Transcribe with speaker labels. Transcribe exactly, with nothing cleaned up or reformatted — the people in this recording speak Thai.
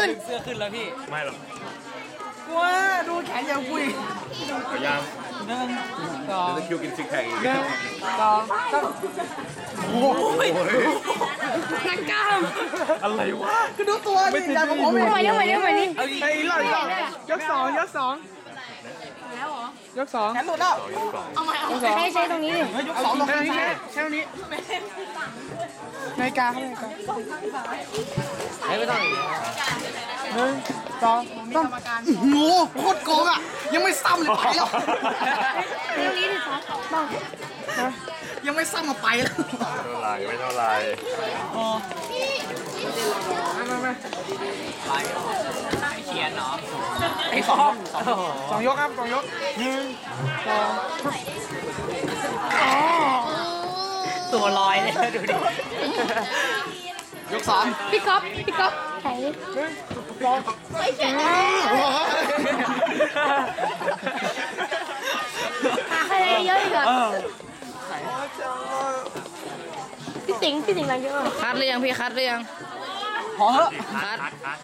Speaker 1: ขึ้น
Speaker 2: เสื้อขึ้นแล้วพี่
Speaker 3: ไม่หรอก
Speaker 1: กลัวดูแขนยาวกุย
Speaker 3: พยายาม
Speaker 1: หนึ่งสอง
Speaker 3: เดี๋ยวจะคิวกินซิกแพคอีก
Speaker 1: หนึ่งสองสามโอ้ยนักกล้าม
Speaker 3: อะไรวะ
Speaker 1: คือดูตัวนี่ใหญ่กว่าผมอีก
Speaker 4: ใหม่ดิใหม่ดิใหม่ดิ
Speaker 1: เอาอีกอีกรอบอีกรอบยกสองยกสองแล้วเหรอยกสองแขนหลุดแล้ว
Speaker 4: เอาใหม่เอาใช้ใช้ตรงนี้ดิ
Speaker 1: ยกสองลงตรงนี้ใช่ตรงนี้นาฬิกาเขานาฬิกา
Speaker 2: ไม่ต้อง
Speaker 1: หนึ่งสองสามโอ้โหโคตรโกงอ่ะยังไม่ซ้ำเลยไปแล้ว
Speaker 4: ตรงนี้ดิครับบ้าง
Speaker 1: ยังไม่ซ้ำมาไปแล้ว
Speaker 3: เท่าไหรไม่เท่าไหร
Speaker 1: อ๋อมามา
Speaker 2: เขียนเนาะ
Speaker 1: ไอ้สองสองยกครับสองยกหนึ่งสองอ๋อ
Speaker 2: ตัวลอยเลยดูดิ
Speaker 1: ยกสาม
Speaker 4: พี่ก๊อฟพี่ก๊อฟไหน
Speaker 1: หนึ่งสอง
Speaker 4: หาใครเยอะอีกอ่ะพี่สิงห์พี่สิงห์อะไรเยอะ
Speaker 5: คัดหรือยังพี่คัดหรือยัง
Speaker 1: พอเหอะ
Speaker 5: คัด